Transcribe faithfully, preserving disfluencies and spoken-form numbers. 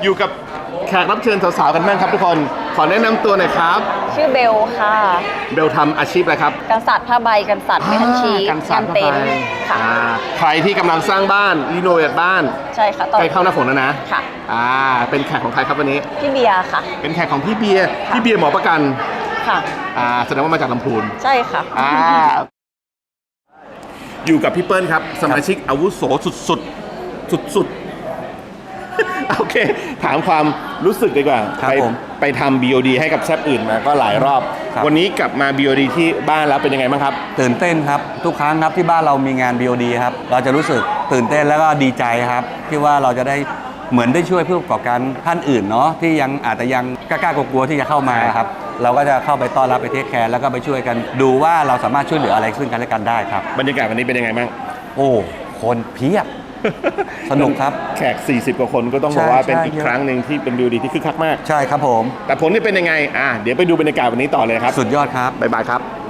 อยู่กับแขกรับเชิญสาวๆกันบ้างครับทุกคนขอแนะนำตัวหน่อยครับชื่อเบลค่ะเบลทำอาชีพอะไรครับกันสัตว์ผ้าใบกันสัตว์เมทัลชีสงานเต็นท์ค่ะใครที่กำลังสร้างบ้านรีโนเวทบ้านใช่ค่ะใกล้เข้าหน้าฝนแล้วนะค่ะอ่าเป็นแขกของใครครับวันนี้พี่เบียร์ค่ะเป็นแขกของพี่เบียร์พี่เบียร์หมอประกันค่ะอ่าแสดงว่ามาจากลำพูนใช่ค่ะอ่าอยู่กับพี่เปิ้ลครับสมาชิกอาวุโสสุดๆสุดๆโอเคถามความรู้สึกดีกว่าไปไปทำ บี โอ ดี ให้กับแซปอื่นมาก็หลายรอบวันนี้กลับมา บี โอ ดี ที่บ้านแล้วเป็นยังไงบ้างครับตื่นเต้นครับทุกครั้งครับที่บ้านเรามีงาน บี โอ ดี ครับเราจะรู้สึกตื่นเต้นแล้วก็ดีใจครับที่ว่าเราจะได้เหมือนได้ช่วยผู้ประกอบการท่านอื่นเนาะที่ยังอาจจะยังกล้าๆกลัวๆที่จะเข้ามาครับเราก็จะเข้าไปต้อนรับไปเทคแคร์แล้วก็ไปช่วยกันดูว่าเราสามารถช่วยเหลืออะไรซึ่งกันและกันได้ครับบรรยากาศวันนี้เป็นยังไงบ้างโอ้คนเพียบสนุกครับแขกสี่สิบกว่าคนก็ต้องบอกว่าเป็นอีกครั้งหนึ่งที่เป็น บี โอ ดี ที่คึกคักมากใช่ครับผมแต่ผลนี่เป็นยังไงอ่ะเดี๋ยวไปดูบรรยากาศวันนี้ต่อเลยครับสุดยอดครับบ๊ายบายครับ